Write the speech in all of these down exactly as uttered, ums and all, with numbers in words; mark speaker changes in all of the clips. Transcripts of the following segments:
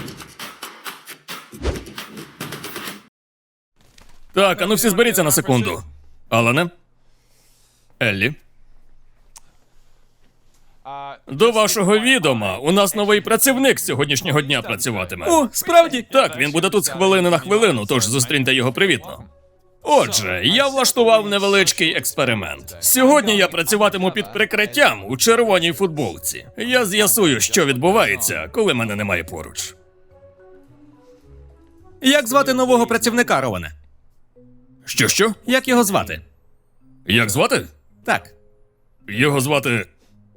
Speaker 1: Так, а ну всі зберіться на секунду. Алане? Еллі? До вашого відома, у нас новий працівник з сьогоднішнього дня працюватиме. О, справді? Так, він буде тут з хвилини на хвилину, тож зустріньте його привітно. Отже, я влаштував невеличкий експеримент. Сьогодні я працюватиму під прикриттям у червоній футболці. Я з'ясую, що відбувається, коли мене немає поруч.
Speaker 2: Як звати нового працівника, Роване?
Speaker 1: Що-що?
Speaker 2: Як його звати?
Speaker 1: Як звати?
Speaker 2: Так.
Speaker 1: Його звати...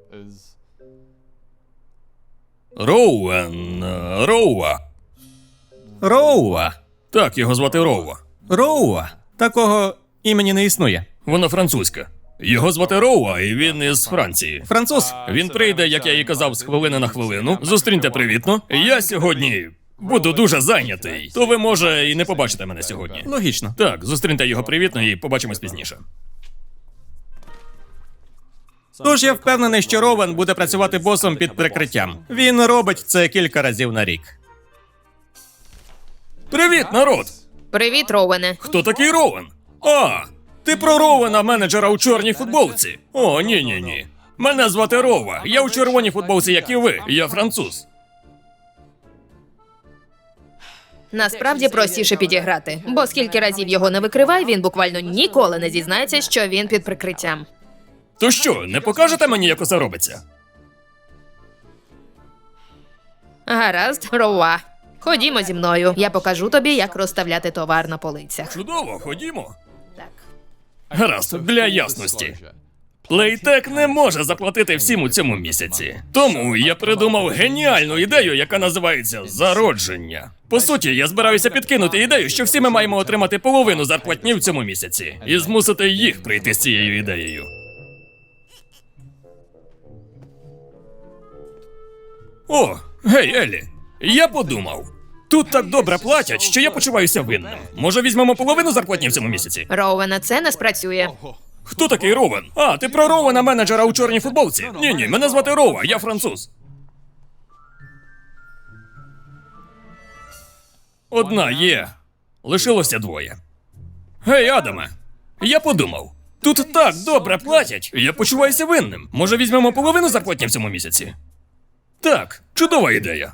Speaker 1: Роуен... е, Роуа.
Speaker 2: Роуа.
Speaker 1: Так, його звати Роуа.
Speaker 2: Роуа. Такого імені не існує.
Speaker 1: Вона французька. Його звати Роуа, і він із Франції.
Speaker 2: Француз?
Speaker 1: Він прийде, як я і казав, з хвилини на хвилину. Зустріньте привітно. Я сьогодні буду дуже зайнятий, то ви, може, і не побачите мене сьогодні.
Speaker 2: Логічно.
Speaker 1: Так, зустріньте його привітно і побачимось пізніше.
Speaker 2: Тож я впевнений, що Ровен буде працювати босом під прикриттям. Він робить це кілька разів на рік.
Speaker 1: Привіт, народ!
Speaker 3: Привіт, Роуене.
Speaker 1: Хто такий Роуен? А, ти про Роуена, менеджера у чорній футболці? О, ні-ні-ні. Мене звати Рова. Я у червоній футболці, як і ви. Я француз.
Speaker 3: Насправді простіше підіграти, бо скільки разів його не викривай, він буквально ніколи не зізнається, що він під прикриттям.
Speaker 1: То що, не покажете мені, як усе робиться?
Speaker 3: Гаразд, Роуа. Ходімо зі мною. Я покажу тобі, як розставляти товар на полицях.
Speaker 1: Чудово, ходімо.
Speaker 3: Так.
Speaker 1: Гаразд, для ясності. Playtech не може заплатити всім у цьому місяці. Тому я придумав геніальну ідею, яка називається «Зародження». По суті, я збираюся підкинути ідею, що всі ми маємо отримати половину зарплатні в цьому місяці. І змусити їх прийти з цією ідеєю. О, гей, Еллі, я подумав. Тут так добре платять, що я почуваюся винним. Може, візьмемо половину зарплатні в цьому місяці?
Speaker 3: Роуене, це не спрацює.
Speaker 1: Хто такий Роуен? А, ти про Роуена, менеджера у чорній футболці? Ні-ні, мене звати Рова, я француз. Одна є. Лишилося двоє. Гей, Адаме, я подумав. Тут так добре платять, я почуваюся винним. Може, візьмемо половину зарплатні в цьому місяці? Так, чудова ідея.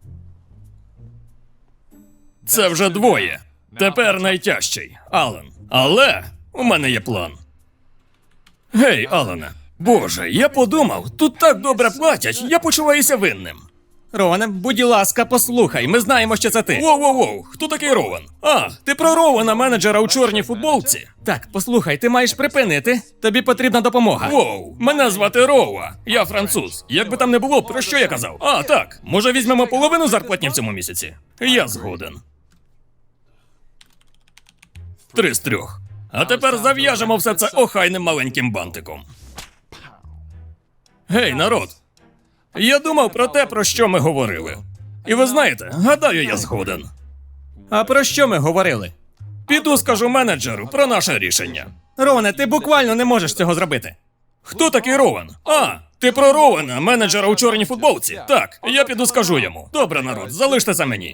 Speaker 1: Це вже двоє. Тепер найтяжчий. Алан. Але у мене є план. Гей, Алане. Боже, я подумав, тут так добре платять, я почуваюся винним.
Speaker 2: Роване, будь ласка, послухай, ми знаємо, що це ти.
Speaker 1: Воу-воу-воу, хто такий Ровен? А, ти про Ровена, менеджера у чорній футболці?
Speaker 2: Так, послухай, ти маєш припинити. Тобі потрібна допомога.
Speaker 1: Воу, мене звати Рова, я француз. Як би там не було, про що я казав? А, так, може візьмемо половину зарплатні в цьому місяці? Я згоден. Три з трьох. А тепер зав'яжемо все це охайним маленьким бантиком. Гей, народ. Я думав про те, про що ми говорили. І ви знаєте, гадаю, я згоден.
Speaker 2: А про що ми говорили?
Speaker 1: Піду скажу менеджеру про наше рішення.
Speaker 2: Роване, ти буквально не можеш цього зробити.
Speaker 1: Хто такий Ровен? А, ти про Ровена, менеджера у чорній футболці? Так, я піду скажу йому. Добре, народ, залиште це мені.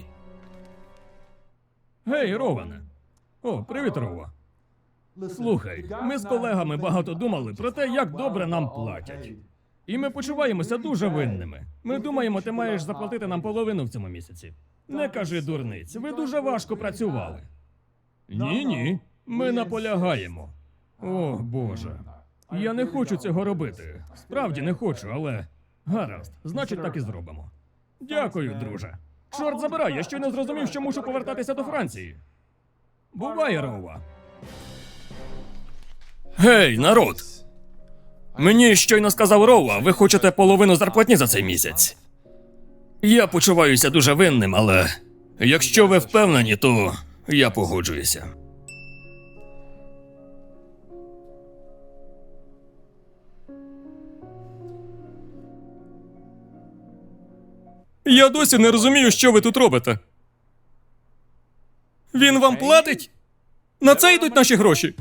Speaker 1: Гей, Ровене. О, привіт, Рова. Слухай, ми з колегами багато думали про те, як добре нам платять. І ми почуваємося дуже винними. Ми думаємо, ти маєш заплатити нам половину в цьому місяці. Не кажи дурниць, ви дуже важко працювали. Ні-ні, ми наполягаємо. О, Боже. Я не хочу цього робити. Справді не хочу, але... Гаразд, значить так і зробимо. Дякую, друже. Чорт забирай, я щойно зрозумів, що мушу повертатися до Франції. Буває, Рова. Гей, народ! Мені щойно сказав Рова, ви хочете половину зарплатні за цей місяць. Я почуваюся дуже винним, але якщо ви впевнені, то я погоджуюся.
Speaker 2: Я досі не розумію, що ви тут робите. Він вам платить? На це йдуть наші гроші.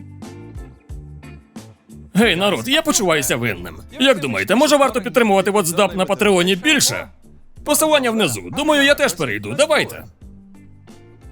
Speaker 1: Гей, народ, я почуваюся винним. Як думаєте, може варто підтримувати WhatsApp на Патреоні більше? Посилання внизу. Думаю, я теж перейду. Давайте.